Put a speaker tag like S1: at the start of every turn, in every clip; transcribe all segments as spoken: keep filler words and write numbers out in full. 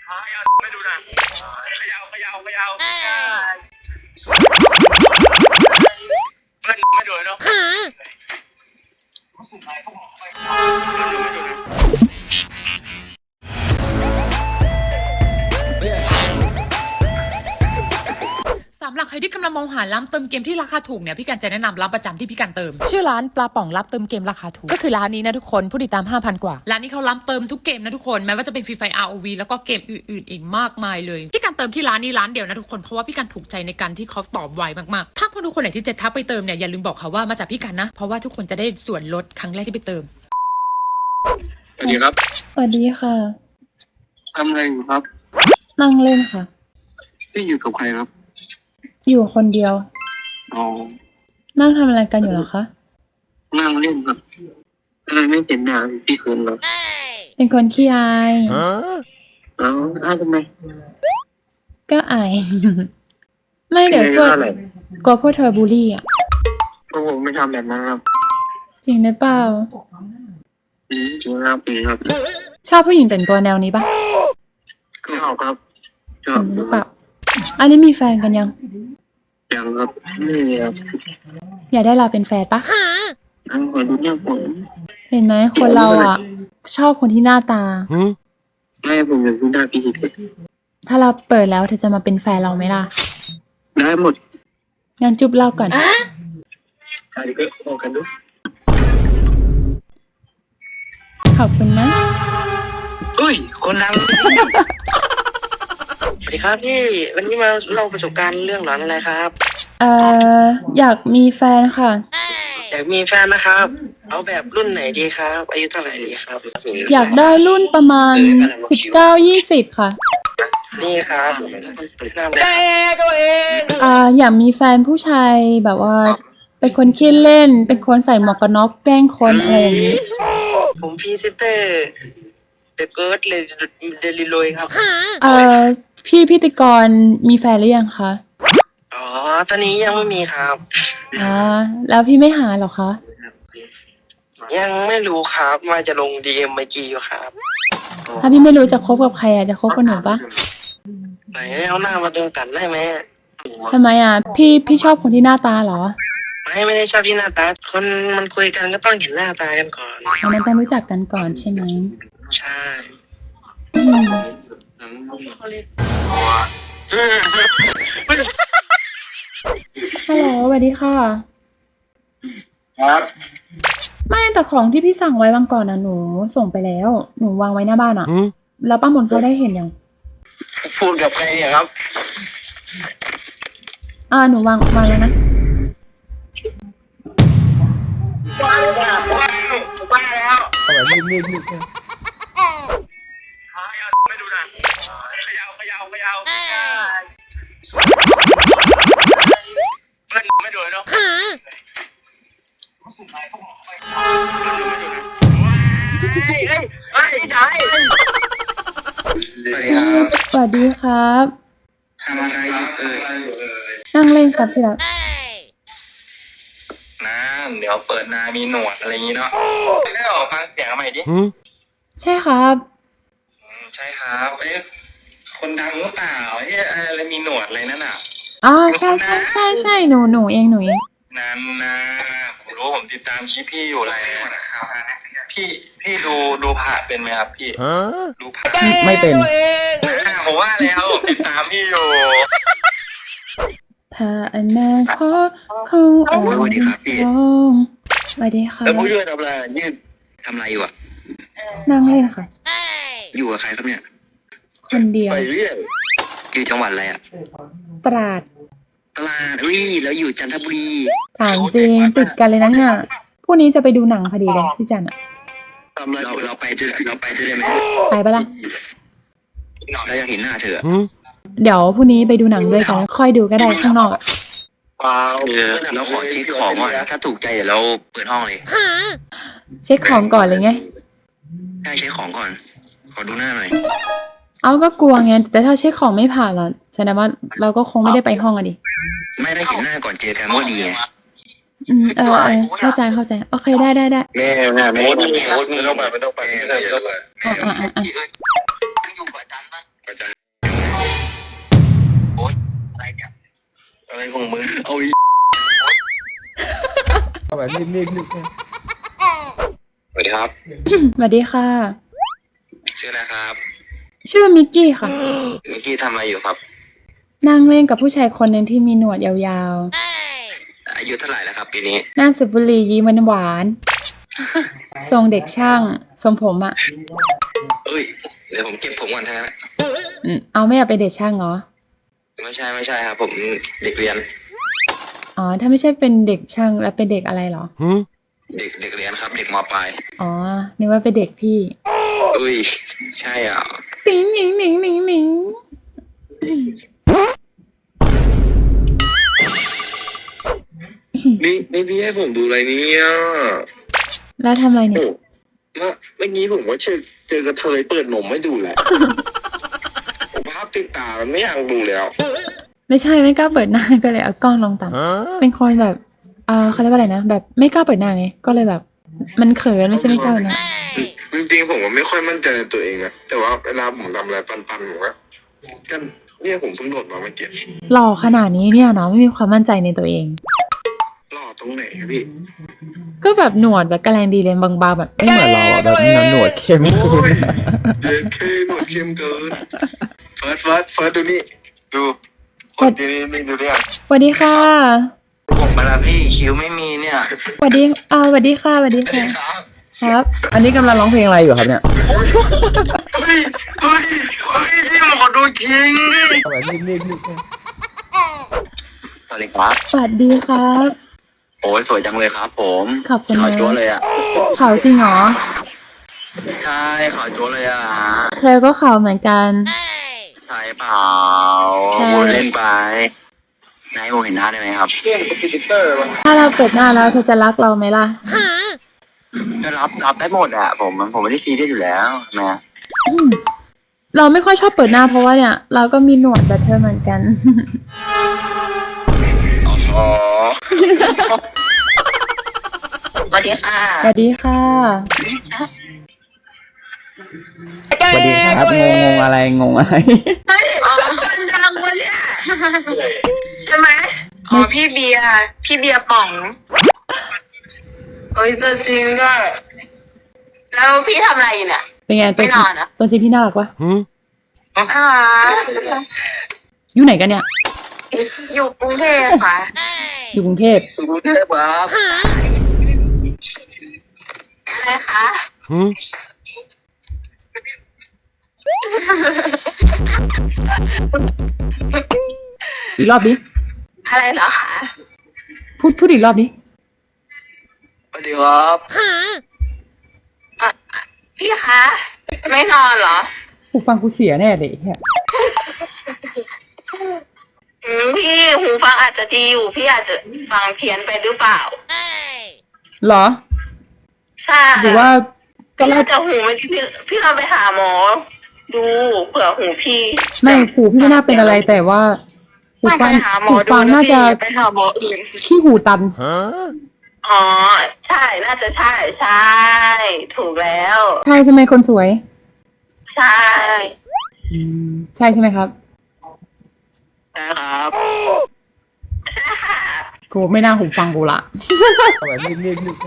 S1: ไม่ดูนะขยาวขยาวขยาวเล่นไม่ดูเนาะไม่ดูนะ
S2: สำหรับใครที่กำลังมองหาร้านเติมเกมที่ราคาถูกเนี่ยพี่กันจะแนะนำร้านประจำที่พี่กันเติมชื่อร้านปลาป่องรับเติมเกมราคาถูกก็คือร้านนี้นะทุกคนผู้ติดตาม ห้าพัน กว่าร้านนี้เขารับเติมทุกเกมนะทุกคนแม้ว่าจะเป็นฟรีไฟ อาร์ โอ วี แล้วก็เกมอื่นๆอีกมากมายเลยพี่กันเติมที่ร้านนี้ร้านเดียวนะทุกคนเพราะว่าพี่กันถูกใจในการที่เขาตอบไวมากๆถ้าคนทุกคนไหนที่จะทักไปเติมเนี่ยอย่าลืมบอกเขาว่ามาจากพี่กันนะเพราะว่าทุกคนจะได้ส่วนลดครั้งแรกที่ไปเติม
S1: สวัสดีครับ
S3: สวัสดีค่ะ
S1: ทำอะไรอยู่ครับ
S3: นั่งเล่นค่ะ
S1: พี่อยู่กับใครครับ
S3: อยู่คนเดียว
S1: อ๋อ
S3: นั่งทำอะไรกันอยู่เหรอคะ
S1: นั่งเล่นครับไม่เห็นหน้าพี่คืนหรอ
S3: เป็นคนขี้อาย
S1: แล้วอ้าวทำไม
S3: ก็อาย ไม่เดี๋ยวพวกกลัวพวกเธอบูลลี่อ่ะ
S1: พวกผมไม่ทำแบบนั้นครับ
S3: จริงหรือเปล่า
S1: จริงครับจริงครับ
S3: ชอบผู้หญิงแต่งตัวแนวนี้ปะ
S1: ชอบครับชอบ
S3: หรือเปล่าอันนี้มีแฟนกันยัง
S1: ยังครับไม่มีครับ
S3: อยากได้เราเป็นแฟนปะ
S1: ทั้งคนดูหน้าผม
S3: เห็นไหมคนเราอ่ะชอบคนที่หน้าตา
S1: ไม่ผมอยากดูหน้าพี่เฉย
S3: ถ้าเราเปิดแล้วเธอจะมาเป็นแฟนเราไหมล่ะ
S1: ได้หมด
S3: งั้นจุ๊บเล่าก่อน
S1: อะไรก็ขอกันดู
S3: ขอบคุณนะ
S1: อุ้ยคนดังสวัสดีครับพี่วันนี้มาเล่าประสบการณ์เรื่องหลอนอะไรครับ
S3: เอ่ออยากมีแฟนค่ะ
S1: อยากมีแฟนนะครับเอาแบบรุ่นไหนดีครับอายุเท่าไหร่ดีครับ
S3: อยากได้รุ่นประมาณสิบเก้ายี่สิบค่ะ
S1: นี่ครับได้ก็เอง
S3: อ่าอยากมีแฟนผู้ชายแบบว่าเป็นคนขี้เล่นเป็นคนใส่หมวกกันน็อกแกล้งคนอะไรอย่างนี้
S1: ผมพีเซเตอร์เดอะเกิร์ดเลยเดลิโลยครับ
S3: เอ่อพี่พิธีกรมีแฟนหรือยังคะ
S1: อ๋อตอนนี้ยังไม่มีครับ
S3: อ่าแล้วพี่ไม่หาหรอคะ
S1: ยังไม่รู้ครับว่าจะลงดีเอ็มไอจีอยู่ครับ
S3: ถ้าพี่ไม่รู้จะคบกับใครอ่ะจะคบกับหนูปะ
S1: ไหนเอาหน้ามาเดินกันได้ไหม
S3: ทำไมอ่ะพี่พี่ชอบคนที่หน้าตาเหรอ
S1: ไม่ไม่ได้ชอบที่หน้าตาคนมันคุยกันก็ต้องเห็นหน้าตากันก่อน
S3: มันต้องรู้จักกันก่อนใช่ไหม
S1: ใช่
S3: ฮัลโหลสวัสดีค่ะ
S1: ครับ
S3: ไม่แต่ของที่พี่สั่งไว้วันก่อนนะหนูส่งไปแล้วหนูวางไว้หน้าบ้านอ่ะแล้วป้ามนเขาได้เห็นยัง
S1: พูดกับใครครับ
S3: อ่าหนูวางวางแล้วนะ
S1: ว้าวว้าวแล้วไม่ดูนะขยาวขยาวขยาวเล่นไม่ดูเนาะ
S3: สวัสดีครับ
S1: ทำอะไรเอ่ย
S3: นั่งเล่นครับที่รัก
S1: น้ำเดี๋ยวเปิดนามีหนวดอะไรอย่างนี้เนาะได้ออกฟังเสียงใหม่ดิ
S3: ใช่ครับ
S1: ใช่ครับเอ๊ะคนดังหรือเปล่าเอ๊ะอะไรมีหนวดอะไรนั่นอ่ะ
S3: อ๋อใช่ใช่ใช่ใช่หนูหนูเองหนูเอง
S1: นั่นนะผมรู้ผมติดตามคลิปพี่อยู่อะไรพี่พี่ดูดูผ่าเป็นไหมครับพี่ดูผ่า
S3: ไม่เป็น
S1: ผมว่าแล้วติดตามพี่อยู่
S3: ผ่าอนาคตของเราสวัสดีครับพี่สวัสดีค่ะ
S1: แล้วผู้ช่วยทำอะไรยืนทำอะไรอยู่อ่ะ
S3: นั่งเล่นค่ะ
S1: อยู่กับใครครับเนี่ย
S3: คนเดียว
S1: ไปเรื่อยอยู่จังหวัดอะไรอ่ะ
S3: ตราด
S1: ตราดอุ้ยแล้วอยู่จันทบุรี
S3: ถามจริงติดกันเลยนะเนี่ยพรุ่งนี้จะไปดูหนังพอดีเลยพี่จันอ่ะ
S1: เราเราไปจะเราไปจะได้ไหม
S3: ไปปะล่ะ
S1: เราอยากเห็นหน้าเธอ
S3: เดี๋ยวพรุ่งนี้ไปดูหนังด้วยกันค่อยดูก็ได้ข้างนอก
S1: ว้าวเราขอเช็คของก่อนถ้าถูกใจเดี๋ยวเราเปิดห้องเลย
S3: เช็คของก่อนเลยไง
S1: ได้เช็คของก่อนขอดูหน้าหน่อย
S3: เอาก็กลัวไงแต่ถ้าเช็คของไม่ผ่านล่ะแสดงว่าเราก็คงไม่ได้ไปห้องอะดิ
S1: ไม่ได้เห็นหน้าก่อนเจอกันก็ดีไง
S3: อืมเออเออเข้าใจเข้าใจโอเคได้ได้ได้
S1: แม่แม่แม่ไม่ต้องไปไม่ต้องไปไม่ต้องไปไม่ต้องไป
S3: อ่าอ่าอ่า
S1: อยู่ประจำปะประจของมึงเอาอี
S4: เอาแบบนิ่มๆนิ่ม
S1: สวัสดีครับ
S3: สวัสดีค่ะ
S1: ชื่ออะไรครับ
S3: ชื่อมิกกี้ค่ะ
S1: เมื่อกี้ทำอะไรอยู่ครับ
S3: นั่งเล่นกับผู้ชายคนหนึ่งที่มีหนวดยาว
S1: อายุเท่าไหร่แล้วครับปีนี้
S3: ๆหน้าสุบุหรียิ้มหวานๆทรงเด็กช่างทรงผมอ่ะ
S1: เอ้ยเดี๋ยวผมเก็บผมก่อนนะ
S3: อืมเอาไม่อยากเป็นเด็กช่างเหรอ
S1: ไม่ใช่ไม่ใช่ครับผมเด็กเรียน
S3: อ๋อ ถ้าไม่ใช่เป็นเด็กช่างแล้วเป็นเด็กอะไรเหรอ
S1: เด็กเด็กเรียนครับ เด็กมปลาย
S3: อ๋อ นึกว่าเป็นเด็กพี่
S1: อุ้ยใช่อ่ะ
S3: ติ๋งหนิงหนิงหนิงหนิง
S1: นี่นี่พี่ให้ผมดูอะไรเนี่ย
S3: แล้วทำอะไรเนี่ย
S1: เมื่อเมื่อกี้ผมก็เจอเจอกระเทยเปิดนมไม่ดูแหละ ผมภาพติดตามันไม่อยากดูแล้ว
S3: ไม่ใช่ไม่กล้าเปิดหน้าก็เลยเอากล้องลงต่ำเป็นคนแบบเอ่อเขาเรียกว่าอะไรนะ แบบไม่กล้าเปิดหน้าไง ก็เลยแบบ มันเขินไม่ใช่ไม่กล้าเปิดหน้า
S1: จริงๆผมก็ไม่ค่อยมั่นใจในตัวเองนะแต่ว่าเวลาผมทำอะไรปันๆผมก็ก็เนี่ยผมเพิ่งโดดมาเมื่อกี้
S3: หล่อขนาดนี้เนี่ยเนาะไม่มีความมั่นใจในตัวเอง
S1: หล่อตรงไหนครับพี่
S3: ก็แบบหนวดแบบกระแรงดีเลยบางๆแบบ
S4: ๆไม่เหมือนเราอ่ะแบบหนวดเข้ม
S1: โอ้ยเด็กเคหนวดเข้มเกินเฟิร์สเฟิร์สเฟิร์สดูนี่ดูคนที่นี่นี่ดูเนี่ย
S3: สวัสดีค่ะ
S1: ผมมาแล้วพี่คิ้วไม่มีเนี่ย
S3: สวัสดีอ่าสวัสดีค่ะสวัสดีค่ะ
S1: ครับ
S3: ครับ
S4: อันนี้กำลังร้องเพลงอะไรอยู่ครับเนี่ย
S1: เฮ้ยเฮ้ยเฮ้ยนี่หมอดูคิง
S4: เอาแบบนิ่มๆนิ่ม
S1: สวัสดีครับ
S3: สวัสดีครับ
S1: โอ้ยสวยจังเลยครับ ผม
S3: ขอบคุณ
S1: ขาว
S3: นะ
S1: จั๊วเลยอ่ะ
S3: เขาจริงเหรอ
S1: ใช่ขาวจั๊วเลยอ่ะ
S3: เธอก็เขาเหมือนกัน
S1: ใช่เปล่า
S3: ใช่
S1: พูดเล่นไปนายผมเห็นหน้าได้ไหมครับเรื่องคอมพิวเตอร์
S3: ถ้าเราเปิดหน้าแล้วเธอจะรักเราไหมล่ะ
S1: ก็รับรับได้หมดอ่ะผมผมไม่ได้ซีเรียสอยู่แล้วนะ
S3: อืมเราไม่ค่อยชอบเปิดหน้าเพราะว่าเนี่ย เราก็มีหนวดแบบเธอเหมือนกัน
S1: อ๋อ
S5: สวัสดีค่ะ
S3: สวัสดีค่ะ
S4: ๆสวัสดีครับงงงอะไรงงอะไร
S5: อ๋อคนดังวะเนี่ยใช่ไหมอ๋อพี่เบียร์พี่เบียร์ป๋องเอ้ยตัวจริงด้วยแล้วพี่ทำอะไรอยู่เนี่ย
S3: เป็นไงตัว
S5: ไม่นอนเหรอ
S3: ตัวจริงพี่น่ารักปะ
S5: อ่า
S3: อยู่ไหนกันเนี่ย
S5: อยู่กรุงเทพค่ะ
S3: อยู่กรุงเทพ
S1: สุดเทพครับ
S5: อะไรคะ
S3: อีกรอบดิ
S5: อะไรเหรอคะ
S3: พูดพูดอีกรอบดิ
S1: สวัสดีครับ
S5: อ่ะพี่คะไม่นอนเหรอ
S3: กูฟังกูเสียแน่เลยเฮีย
S5: อืมพี่หูฟังอาจจะดีอยู่ พี่อาจจะฟังเพี้ยนไปหรือเปล่า
S3: เหรอ
S5: ใช่
S3: หรือว่าตอน
S5: พี่
S3: แร
S5: อาก จจะหูไม่ดีพี่พี่เราไปหาหมอ ดูเผื่อหูพี่
S3: ไม่หูพี่ไม่น่าเป็นอะไรแต่ว่าหู
S5: ไม่
S3: ฟั
S5: ไป
S3: ง
S5: หาหมอ
S3: หู
S5: ดู
S3: ฟัง
S5: นะ
S3: น่า
S5: พี่
S3: จะ
S5: อย่าไปหาหมออื่น
S3: ขี้หูตัน
S5: อ๋อ ใช่น่าจะใช่ใช่ ถูกแล้ว
S3: ใช่ใช่ไหมคนสวย
S5: ใช่
S3: อืมใช่ใช่ไหมครับ
S1: นะครับ
S5: ใช่ค่ะ
S3: กูไม่น่าหูฟังกูละ
S4: เอาแบบนิ่มๆนิ่ม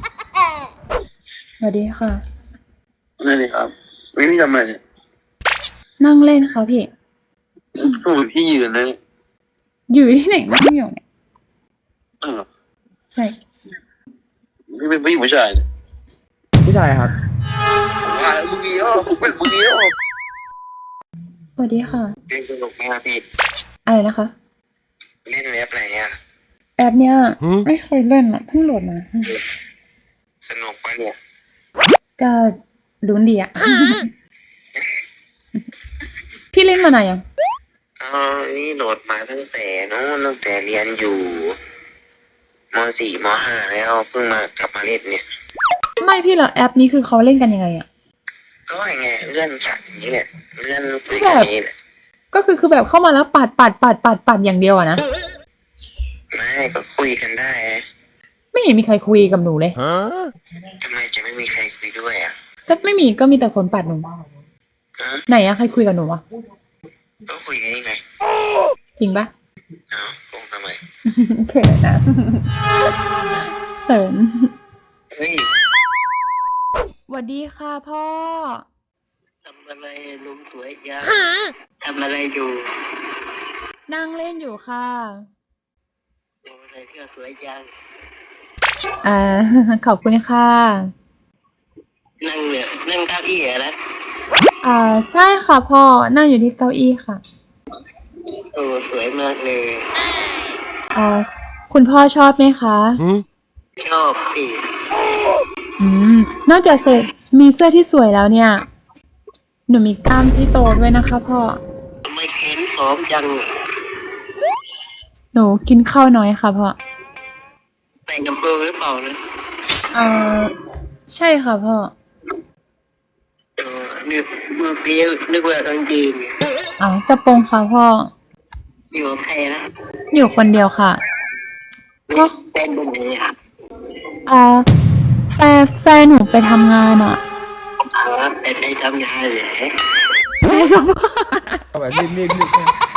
S3: สวัสดีค่ะ
S1: นั่นเองครับวิพี่ทำอะไรเนี่ย
S3: นั่งเล่นค่ะพี่
S1: โอ้ยพี่ยืนเลย
S3: อยู่ที่ไหนนั่งอยู่เนี่ย
S1: เออ
S3: ใช่
S1: พี่เป็นผู้หญิงผู้ชายเนี่ย
S4: ๆผู้ชายครับ
S1: ว่าแล้วมึงเงี้ยเป็นมึงเงี้ย
S3: สวัสดีค่ะ
S1: เล่นสนุกไหมครับพี่
S3: อะไรนะคะ
S1: เล่นเว็บอะไรเนี่ย
S3: แอปเนี้ยไม่เคยเล่นอ่ะเพิ่งโหลดมา
S1: สนุกปะเนี่ย
S3: ก็ลุ้นดีอ่ะ พี่เล่นมานานยัง
S1: เออนี่โหลดมาตั้งแต่นู้นตั้งแต่เรียนอยู่มสี่มห้าแล้วเพิ่งมากลับมาเล่นเนี่ย
S3: ไม่พี่เหรอแอปนี้คือเขาเล่นกันยังไงอ่ะ
S1: ก็ไงเลื่อนจากอย่างนี้แหละเลื่อนคุยกันอย่างนี้แหละ
S3: ก็คือคือแบบเข้ามาแล้วปัดปัดปัดปัดปัดอย่างเดียวอะนะ
S1: ไม่ก็คุยกันได้อะ
S3: ไม่เห็นมีใครคุยกับหนูเลย
S1: ทำไมจะไม่มีใครคุยด้วยอ่ะ
S3: ก็ไม่มีก็มีแต่คนปัดหนู
S1: ฮะ
S3: ไหนอะใครคุยกับหนูอะ
S1: ก็คุยกันนี่ไง
S3: จริงปะ
S1: เอ้าคงทำไมน่อย
S3: เขินนะเขิน
S1: เฮ้ย
S3: สวัสดีค่ะพ่อ
S1: ทำอะไรลุงสวยยังทำอะไรอยู่
S3: นั่งเล่นอยู่ค่ะ
S1: ลุงใส่เสื้อสวยยัง
S3: อ่า ขอบคุณค่ะ
S1: นั่งเนี่ยนั่งเก้าอี้อะนะ
S3: อ่าใช่ค่ะพ่อ นั่งอยู่ที่เก้าอี้ค่ะ
S1: โอ้สวยมากเลย
S3: อ่า คุณพ่อชอบไหมคะ
S1: ชอบสิ
S3: อืม นอกจากเสื้อมีเสื้อที่สวยแล้วเนี่ย หนูมีกล้ามที่โตด้วยนะคะพ่อ
S1: ทำไมเข็นผอมจัง
S3: หนูกินข้าวน้อยค่ะพ่อ
S1: ใส่กระโปรงหรือเปล่านะ
S3: อ่า ใช่ค่ะพ่อ
S1: เออนึกเมื่อกี้นึกว่ากางเกง
S3: อ๋อกระโปรงค่ะพ่อ
S1: อยู่กับใครนะ
S3: อยู่คนเดียวค่ะพ่อ
S1: เป็นตรงไหนอ่ะ
S3: อ่าแฟนแฟนหนูไปทำงานอ่ะ
S1: อ๋อเป็นไปทำงานเหรอ
S3: ใช่ครับพ่อ
S4: แบบรีบๆ